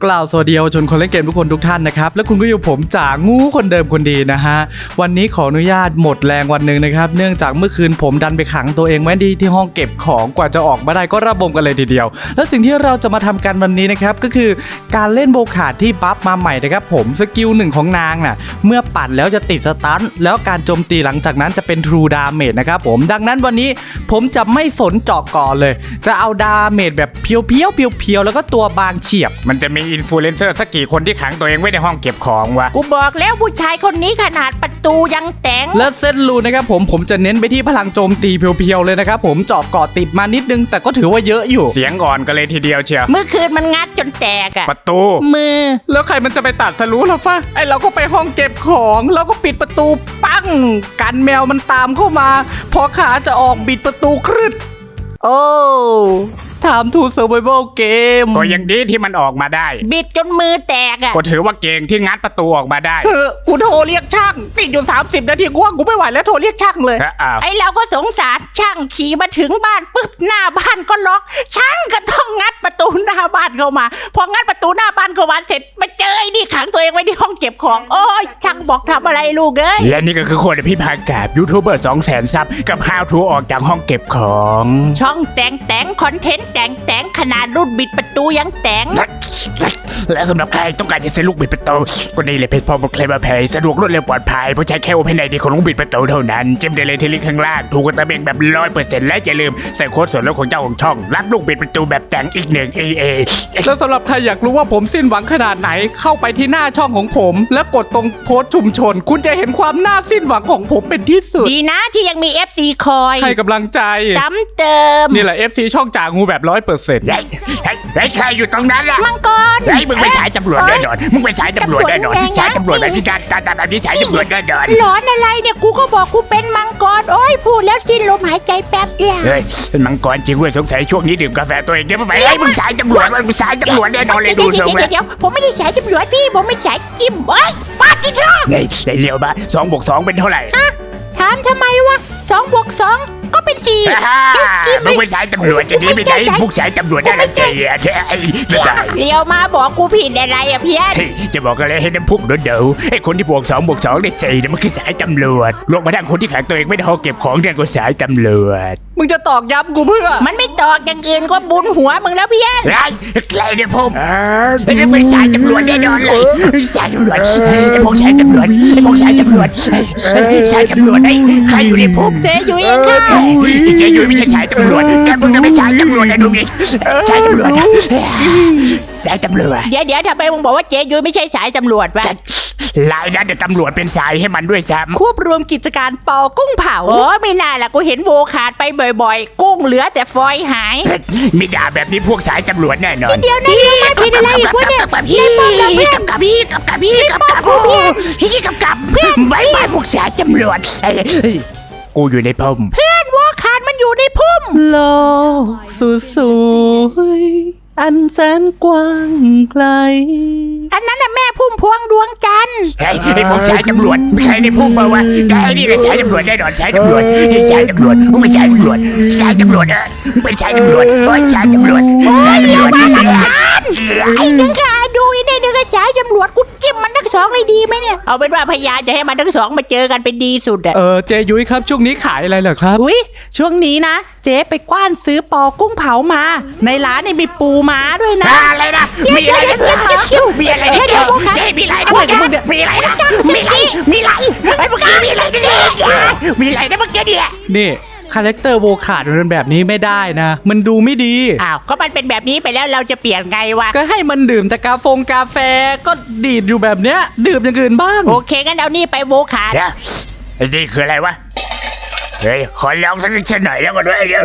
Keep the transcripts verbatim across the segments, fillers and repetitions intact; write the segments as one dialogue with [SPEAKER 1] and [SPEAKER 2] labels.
[SPEAKER 1] กล่าวสวัสดีเยาวชนคนเล่นเกมทุกคนทุกท่านนะครับและคุณก็อยู่ผมจ่างูคนเดิมคนดีนะฮะวันนี้ขออนุญาตหมดแรงวันหนึ่งนะครับเนื่องจากเมื่อคืนผมดันไปขังตัวเองไว้ที่ที่ห้องเก็บของกว่าจะออกมาได้ก็ระบมกันเลยทีเดียวและสิ่งที่เราจะมาทำกันวันนี้นะครับก็คือการเล่นโบคาดที่บัฟมาใหม่นะครับผมสกิลหนึ่งของนางน่ะเมื่อปั่นแล้วจะติดสตันแล้วการโจมตีหลังจากนั้นจะเป็น True Damage นะครับผมดังนั้นวันนี้ผมจะไม่สนเจาะก่อนเลยจะเอาดาเมจแบบเพียวๆเพียวๆแล้วก็ตัวบางเฉียบ
[SPEAKER 2] มันจะมีอินฟลูเอนเซอร์สักกี่คนที่ขังตัวเองไว้ในห้องเก็บของวะ
[SPEAKER 3] กูบอกแล้วผู้ชายคนนี้ขนาดประตูยังแต่ง
[SPEAKER 1] และเส้นรูนะครับผมผมจะเน้นไปที่พลังโจมตีเพียวๆเลยนะครับผมเจาะเกาะติดมานิดนึงแต่ก็ถือว่าเยอะอยู่
[SPEAKER 2] เสียงอ่อนกันเลยทีเดียวเชียว
[SPEAKER 3] เมื่อคืนมันงัดจนแตกอะ
[SPEAKER 2] ประตู
[SPEAKER 3] มือ
[SPEAKER 1] แล้วใครมันจะไปตัดสรู้ล่ะฟ้าไอเราก็ไปห้องเก็บของแล้วก็ปิดประตูปังกันแมวมันตามเข้ามาพอขาจะออกบิดประตูครึดโอ้ถามทูเซอร์ไวเวลเกม
[SPEAKER 2] ก็ยังดีที่มันออกมาได้
[SPEAKER 3] บิดจนมือแตกอ่ะ
[SPEAKER 2] ก็ถือว่าเก่งที่งัดประตูออกมาได้
[SPEAKER 1] เออกูโทรเรียกช่างติดอยู่สามสิบนาทีกูว่ากูไม่ไหวแล้วโทรเรียกช่างเลย
[SPEAKER 3] ไอเราก็สงสารช่างขี่มาถึงบ้านปึ๊บหน้าบ้านก็ล็อกช่างก็ต้องงัดประตูหน้าบ้านเข้ามาพองัดประตูหน้าบ้านเข้ามาเสร็จมาเจอไอ้นี่ขังตัวเองไว้ที่ห้องเก็บของโอ้ยช่างบอกทำอะไรลูกเอ้ย
[SPEAKER 2] และนี่ก็คือคนพิพากษายูทูบเบอร์สองแสนซับกับ How to ออกจากห้องเก็บของ
[SPEAKER 3] ช่องแต่งแต่งคอนเทนต์แต่งแต่งขนาดรุ่นบิดประตูยังแต่ง
[SPEAKER 2] และสำหรับใครต้องการจะซื้อลูกบิดประตูก็นี่เลยเพจพอมเคลมเพย์สะดวกรวดเร็วปลอดภัยเพราะใช้แค่โอเพนไอดีของลูกบิดประตูเท่านั้นจิ้มได้เลยที่ลิงก์ข้างล่างถูกกระตะเบงแบบร้อยเปอร์เซ็นต์และอย่าลืมใส่โค้ดส่วนลดของเจ้าของช่องรับลูกบิดประตูแบบแต่งอีกหนึ่ง เอ เอ
[SPEAKER 1] แล้วสำหรับใครอยากรู้ว่าผมสิ้นหวังขนาดไหนเข้าไปที่หน้าช่องของผมแล้วกดตรงโพสต์ชุมชนคุณจะเห็นความน่าสิ้นหวังของผมเป็นที่สุด
[SPEAKER 3] ดีนะที่ยังมี เอฟ ซี คอย
[SPEAKER 1] ให้กำลังใจ
[SPEAKER 3] ซ้ำเติม
[SPEAKER 1] นี่แหละ เอฟ ซี ช่องจ่างูแบบร้อยเปอร์เซ็นต์
[SPEAKER 2] ไอ้ใครอยู่ตรงนั้นล่ะ
[SPEAKER 3] มังกร
[SPEAKER 2] ไอ้มึงไปสายตำรวจแน่นอนมึงไปสายตำรวจแน่นอนสายตำรวจแบบนี้การการแบบนี้สายตำรวจแน่นอน
[SPEAKER 3] หลอนอะไรเนี่ยกูก็บอกกูเป็นมังกรโอ้ยพูดแล้วสิ้นลมหายใจแป๊บเดียว
[SPEAKER 2] เฮ้ยเป็นมังกรจริงเว้ยสงสัยช่วงนี้ดื่มกาแฟตัวเองเยอะไปไอ้มึงสายตำรวจมึงสายตำรวจแน่นอนเลยดูทรงแล้ว
[SPEAKER 3] เดี๋ยวผมไม่ได้สายตำรวจพี่ผมไม่สายจิ้มเอ้ยปาจิโร่
[SPEAKER 2] ไอ้ไอ้เลี้ยวมาสองบวกสองเป็นเท่าไหร่
[SPEAKER 3] ฮะถามทำไมวะสองบวกสองก็เป็นสี่
[SPEAKER 2] มึงไปสายตำรวจจะดีไม่ได้พวกสายตำรวจได้ใจอ่ะไอ้ไม่ได้
[SPEAKER 3] เลี้ยวมาบอกกูผิดอะไรอ่ะเพี้ยน
[SPEAKER 2] จะบอกอะไรให้น้ำพุเดือดไอ้คนที่บวกสองบวกสองได้สี่เนี่ยมันคือสายตำรวจลงมาดังคนที่ขังตัวเองไม่ได้ห้องเก็บของเนี่ยก็สายตำรวจ
[SPEAKER 1] มึงจะตอกย้ำกูเพื่อ
[SPEAKER 3] มันไม่ตอกอย่างอื่นก็บุญหัวมึงแล้วเพี้ยน
[SPEAKER 2] ไรใครเนี่ยผมไอ้เป็นสายตำรวจแน่นอนเลยสายตำรวจไอ้พวกสายตำรวจไอ้พวกสายตำรวจสายตำรวจไอ้ใครอยู่ในผม
[SPEAKER 3] เจยุ้ยค่ะ
[SPEAKER 2] เจยุ้ยไม่ใช่สายตำรวจแกมึงจะไม่สายตำรวจไอ้ดูดิสายตำรวจสายตำรวจ
[SPEAKER 3] เดี๋ยวเดี๋ยวทำไมมึงบอกว่าเจยุ้ยไม่ใช่สายตำรวจวะ
[SPEAKER 2] ลายนั้นเดี๋ยวตำรวจเป็นสายให้มันด้วยซ้ำ
[SPEAKER 3] ควบรวมกิจการปอกุ้งเผาโอ้ไม่น่าล่ะกูเห็นโวขาดไปบ่อยๆกุ้งเหลือแต่ฟอยหาย
[SPEAKER 2] มีด่าแบบนี้พวกสายตำรวจแน่นอน
[SPEAKER 3] เดี๋ยวนะเดี๋ยวมาผิดอะไรอีกวะเนี่ย
[SPEAKER 2] กับพี่กับกับพี่กับกับพี่กับกับพี่กับกับเพื่อนไว้ไว้พวกสายตำรวจกูอยู่ในพุ่ม
[SPEAKER 3] เพื่อนโวขาดมันอยู่ในพุ่ม
[SPEAKER 1] โลกสุดสวยอันแสนกว้างไกล
[SPEAKER 3] อันนั้นน่ะแม่พุ่มพวงดวงจันทร์
[SPEAKER 2] ไอ้ไอ้พวกสายตำรวจไม่ใครในพุ่มมาวะแต่ไอ้นี่เป็นสายตำรวจแน่นอนสายตำรวจสายตำรวจมึงเป็นสายตำรวจสายตำรวจเออมึงเป็นสายตำรวจโอ้ยสายตำรวจสายตำรวจ
[SPEAKER 3] ไอ้นึงค่ะดูไอ้นี่นึงสายตำรวจกูจิ้มมันทั้งสองเลยดีไหมเนี่ยเอาเป็นว่าพยานจะให้มันทั้งสองมาเจอกันเป็นดีสุดอะ
[SPEAKER 1] เออเจยุ้ยครับช่วงนี้ขายอะไรเหรอครับ
[SPEAKER 3] อุ้ยช่วงนี้นะเจ๊ไปกว้านซื้อปอกุ้งเผามาในร้านนี่มีปูม้าด้วยนะ
[SPEAKER 2] อะไรนะมีอะไรนะมีอะไรนะเจ๊เจ๊มีอะไรนะมึงมีอะไรนะมีอะไรมีอะไรไอ้พวกนี้มีอะไรเนี่ยมีอะไรนะพวกเจ๊เนี่ย
[SPEAKER 1] นี่คาแรคเตอร์โวขาดมันแบบนี้ไม่ได้นะมันดูไม่ดี
[SPEAKER 3] อ้าวก็มันเป็นแบบนี้ไปแล้วเราจะเปลี่ยนไงวะ
[SPEAKER 1] ก็ให้มันดื่มแต่กาแฟกาแฟก็ดีดอยู่แบบเนี้ยดื่มอย่างอื่นบ้าง
[SPEAKER 3] โอเคงั้นเอานี่ไปโวขาด
[SPEAKER 2] นี่คืออะไรวะเฮ้ยขอลองสักนิดหน่อยแล้วก็ด้วยเดี๋ยว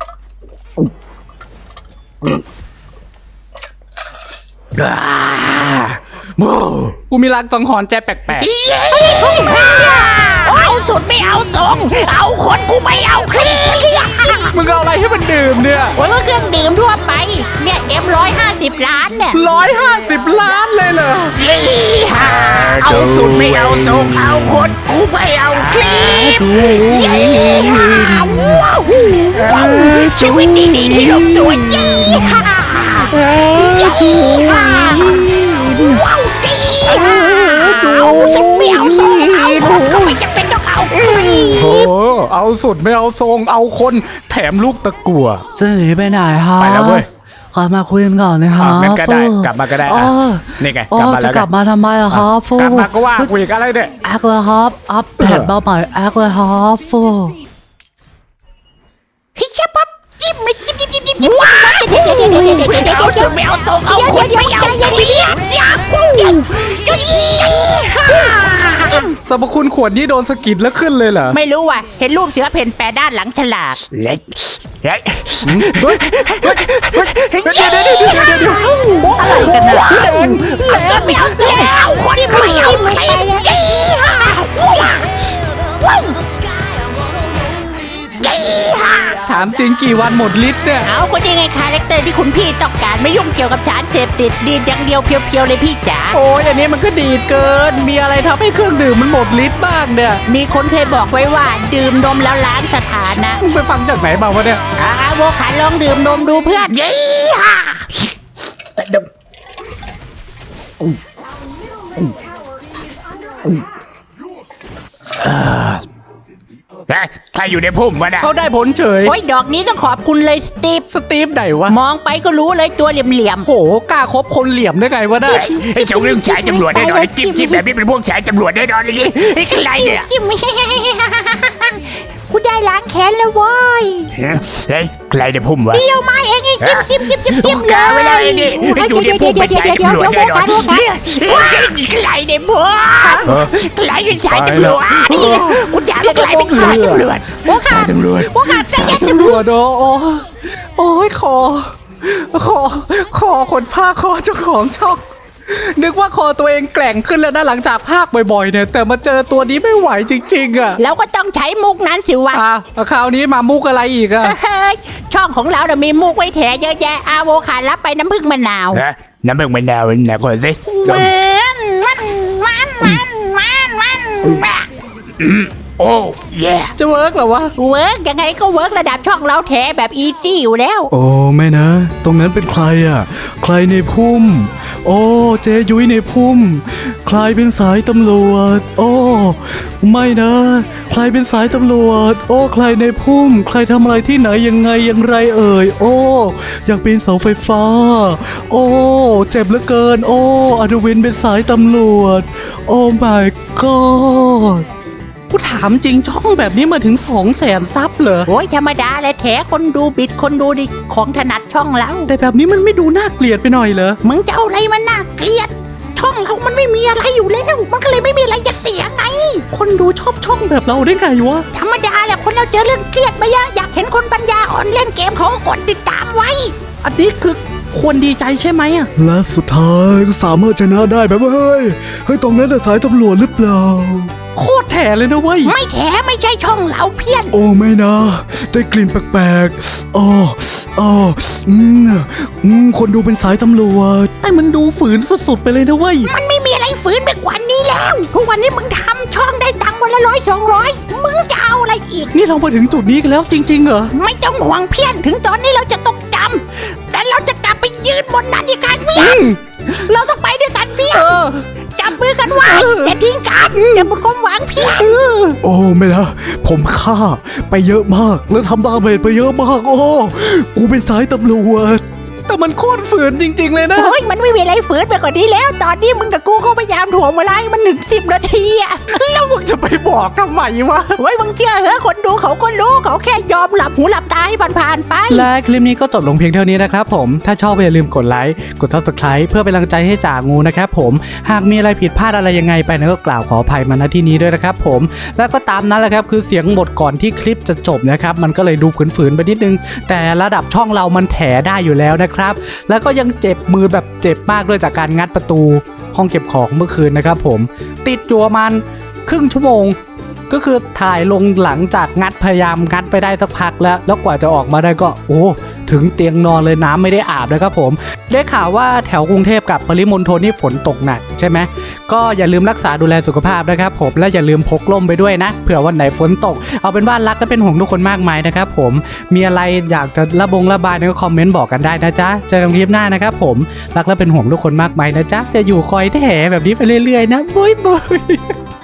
[SPEAKER 1] กูมีลางสังหรณ์ใจแปลกๆ
[SPEAKER 3] เอาสุดไม่เอาทรงเอาคนกูไม่เอาเคลียร์
[SPEAKER 1] มึงเอาอะไรให้มันดื่มเนี่ย
[SPEAKER 3] โอ้ยก็เครื่องดื่มทั่วไปเนี่ยเอ็มร้อยห้าสิบล้านเนี่ย
[SPEAKER 1] ร้อยห้าสิบล้านเลยเหรอ
[SPEAKER 2] เอาสุดไม่เอาทรงเอาคนกูไม่เอาเคลียร์ชีวิตดีๆที่ลงตัวจี้
[SPEAKER 1] เอาสุดไม่เอาทรงเอาคนแถมลูกตะกั่ว
[SPEAKER 4] จะหนีไปไหนฮะ
[SPEAKER 1] ไปแล้วเว้ย
[SPEAKER 4] กลับมาคุยกันก่อนนะฮะ
[SPEAKER 1] อ่ะงั้นก็ได้
[SPEAKER 4] ฟู
[SPEAKER 1] กลับมาก็ได้
[SPEAKER 4] อ๋
[SPEAKER 1] อ่ะ
[SPEAKER 4] อ
[SPEAKER 1] นี่ไง
[SPEAKER 4] อ๋อก
[SPEAKER 1] ลับมา
[SPEAKER 4] จะ
[SPEAKER 1] แล้ว
[SPEAKER 4] กลับมาทำไมอะครับฟู
[SPEAKER 1] กลับมาก็ว่ากูอีกอะไรเนี่ย
[SPEAKER 4] แอคเลยครับอัพแพดเบาใหม่แอคเลยครับฟู
[SPEAKER 3] พี่เชฟป๊อปจิ้มเลยจิ้มจิ้มจิ้มจิ้มจิ้มว้าวเดี๋ยวเดี๋ยวเดี๋ยวเดี๋ยวเดี๋ยวเดี๋ยวไม่เอาส่งเอาคนไม่เอาเสียจ้าคู่จิ้ม
[SPEAKER 1] สรรพคุณขวดนี้โดนสะกิดแล้วขึ้นเลยเหรอ
[SPEAKER 3] ไม่รู้ว่ะเห็นรูปเสือเพ่นแปรด้านหลังฉลาก
[SPEAKER 2] เล็กเล็ก
[SPEAKER 1] เฮ้ยเดี๋ยวเดี๋ยวเดี๋ยวเดี๋ยวเดี๋ยว
[SPEAKER 3] อะไรกันนะเอาส่งไม่เอาเสียเอาคนไม่เอาใครจี้ฮ่าว้าวว้าวจี้ฮ่า
[SPEAKER 1] ถามจริงกี่วันหมดฤทธิ์เนี่ย
[SPEAKER 3] เอาคนยังไงคาแรคเตอร์ที่คุณพี่ต้องการไม่ยุ่งเกี่ยวกับสารเสพติดดีดอย่างเดียวเพียวๆเลยพี่จ๋า
[SPEAKER 1] โอ้ยอันนี้มันก็ดีดเกิน มีอะไรทำให้เครื่องดื่มมันหมดฤทธิ์บ้างเนี่ย
[SPEAKER 3] มีคนเคยบอกไว้ว่าดื่มนมแล้วล้างสถานะ
[SPEAKER 1] มึงไปฟังจากไหนมาวะเนี่ย
[SPEAKER 3] อาโวขาลองดื่มนมดูเพื่อนยี่ฮ่า
[SPEAKER 2] เฮ้ยใครอยู่ในพุ่มวะนะ
[SPEAKER 1] เขาได้ผลเฉย
[SPEAKER 3] โอ้ยดอกนี้ต้องขอบคุณเลยสตีฟ
[SPEAKER 1] สตีฟไหนวะ
[SPEAKER 3] มองไปก็รู้เลยตัวเหลี่ยม
[SPEAKER 1] โหกล้าคบคนเหลี่ยมได้ไงวะเนี่ย
[SPEAKER 2] เฮ้ยไอ้สองเรื่องสายตำรวจแน่นอนไอ้จิ้มจิ้มแบบนี้เป็นพวกสายตำรวจแน่นอนเลยนี่ไอ้ใคร
[SPEAKER 3] ๆจิ้ม
[SPEAKER 2] เนี่ย
[SPEAKER 3] จิ้มไม่ใช่กูได้ล้างแค้นแล้วเว้ย
[SPEAKER 2] เฮ้ยใครในพุ่มวะ
[SPEAKER 3] เดียวมาเองไอ้จิ้มจิ้มจิ้มจิ้มจิ้ม
[SPEAKER 2] กาไว้แล้วไอ้นี่ไอ้อยู่ในพุ่มเป็นสายตำรวจแน่นอนใครในพุ่มใครเป็นสายตำรวจกูจะไม่ใครเป็นสายตำรวจ
[SPEAKER 3] โอ้ขาด
[SPEAKER 2] ตำรวจ
[SPEAKER 3] โอ้ขาดใจเย็น
[SPEAKER 1] ตำรวจโอ้โอ้โอ้ยคอคอคอคนภาคคอเจ้าของช่องนึกว่าคอตัวเองแกร่งขึ้นแล้วนะหลังจากภาคบ่อยๆเนี่ยแต่มาเจอตัวนี้ไม่ไหวจริงๆอ่ะ
[SPEAKER 3] แล้วก็ต้องใช้มุกนั้นสิวะ
[SPEAKER 1] อ่ะคราวนี้มามุกอะไรอีกอ่ะ
[SPEAKER 3] เฮ้ยช่องของเราเนี่ยมีมุกไว้แถเยอะแยะอาโวขาดรับไปน้ำผึ้งมะนาว
[SPEAKER 2] นะน้ำเบิกมะนาวนะคนสิ
[SPEAKER 3] มันมันมันมันมันมันมัน
[SPEAKER 2] โอ้ย
[SPEAKER 1] จะเวิร์กเหรอวะ
[SPEAKER 3] เวิร์กยังไงก็เวิร์กระดับช่องเราแถแบบอีซี่อยู่แล้ว
[SPEAKER 4] โอ้ไม่นะ ตรงนั้นเป็นใครอ่ะ ใครในพุ่ม โอ้เจยุ้ยในพุ่ม ใครเป็นสายตำรวจ โอ้ไม่นะ ใครเป็นสายตำรวจ โอ้ใครในพุ่ม ใครทำอะไรที่ไหนยังไงอย่างไรเอ่ย โอ้อยากปีนเสาไฟฟ้า โอ้เจ็บเหลือเกิน โอ้อนุวินเป็นสายตำรวจ โอ้ my god
[SPEAKER 1] กูถามจริงช่องแบบนี้มาถึงสองแสนซับเหรอ
[SPEAKER 3] โอ้ยธรรมดาแหละแถคนดูบิดคนดูดิของถนัดช่องเรา
[SPEAKER 1] แต่แบบนี้มันไม่ดูน่าเกลียดไปหน่อยเหรอ
[SPEAKER 3] มึงจะเอาอะไรมันน่าเกลียด ช่องเรามันไม่มีอะไรอยู่แล้ว มันก็เลยไม่มีอะไรจะเสียไง
[SPEAKER 1] คนดูชอบช่องแบบเราได้ไงวะ
[SPEAKER 3] ธรรมดาแหละคนเราเจอเรื่องเครียดมาเยอะอยากเห็นคนปัญญาอ่อนเล่นเกมเขาก็กดติดตามไว้
[SPEAKER 1] อันนี้คือควรดีใจใช่ไหมอ่ะ
[SPEAKER 4] และสุดท้ายก็สามารถชนะได้แบบว่าเฮ้ยเฮ้ยตรงนั้นน่ะสายตำรวจหรือเปล่า
[SPEAKER 1] โคตรแถเลยนะเว้ย
[SPEAKER 3] ไม่แถไม่ใช่ช่องเราเพี้ยน
[SPEAKER 4] โอ้ไม่นะ ได้กลิ่นแปลกๆอ๋ออ๋ออืมอืมคนดูเป็นสายตำรวจ
[SPEAKER 1] แต่มันดูฝืนสุดๆไปเลยนะเว้ย
[SPEAKER 3] มันไม่มีอะไรฝืนไปกว่านี้แล้ว ทุกวันนี้มึงทำช่องได้ตังค์วันละร้อยสองร้อยมึงจะเอาอะไรอีก
[SPEAKER 1] นี่เรามาถึงจุดนี้กันแล้วจริงๆเหรอ
[SPEAKER 3] ไม่ต้องห่วงเพี้ยนถึงตอนนี้เราจะตกจำแต่เราจะกลับไปยืนบนนั้นอีกการเพี้ยนเราต้องไปด้วยกันเพี้ยน
[SPEAKER 1] เออ
[SPEAKER 3] จับมือกันไว้อย่าทิ้งกันอย่าหมดความหวังเพี้ยน
[SPEAKER 4] โอ้ไม่นะผมฆ่าไปเยอะมากแล้วทำดาเมจไปเยอะมาก โอ้กูเป็นสายตำรวจ
[SPEAKER 1] แต่มันโคตรฝืนจริง ๆ เลยนะ
[SPEAKER 3] โอ้ยมันไม่มีอะไรฝืนไปกว่านี้แล้ว ตอนนี้มึงกับกูเขาพยายามถ่วงเวลาให้มันหนึ่งสิบนาทีอะ
[SPEAKER 1] แล้วมึงจะไปบอกทำไมวะ
[SPEAKER 3] โอ้ยมึงเชื่อเหรอคนดูเขาก็รู้เขาแค่ยอมหลับหูหลับตาให้ผ่านๆไป
[SPEAKER 1] และคลิปนี้ก็จบลงเพียงเท่านี้นะครับผม ถ้าชอบอย่าลืมกดไลค์ กด ซับสไครบ์ เพื่อเป็นกำลังใจให้จ่างูนะครับผม หากมีอะไรผิดพลาดอะไรยังไงไปนะก็กล่าวขออภัยมาณที่นี้ด้วยนะครับผม แล้วก็ตามนั้นแหละครับคือเสียงบทก่อนที่คลิปจะจบนะครับ มันก็เลยดูฝืนๆไปนิดนึง แต่ระดับช่องเรามันแถได้อยู่แล้วนะครับ แล้วก็ยังเจ็บมือแบบเจ็บมากด้วยจากการงัดประตูห้องเก็บของเมื่อคืนนะครับผม ติดอยู่ประมาณครึ่งชั่วโมง ก็คือถ่ายลงหลังจากงัดพยายามงัดไปได้สักพักแล้ว แล้วกว่าจะออกมาได้ก็โอ้ถึงเตียงนอนเลยน้ำไม่ได้อาบนะครับผมได้ข่าวว่าแถวกรุงเทพกับปริมณฑลนี่ฝนตกหนักใช่ไหมก็อย่าลืมรักษาดูแลสุขภาพนะครับผมและอย่าลืมพกร่มไปด้วยนะเผื่อวันไหนฝนตกเอาเป็นว่ารักและเป็นห่วงทุกคนมากมายนะครับผมมีอะไรอยากจะระบงระบายในคอมเมนต์บอกกันได้นะจ๊ะเจอกันคลิปหน้านะครับผมรักและเป็นห่วงทุกคนมากมายนะจ๊ะจะอยู่คอยแถแบบนี้ไปเรื่อยๆนะบ๊ายบาย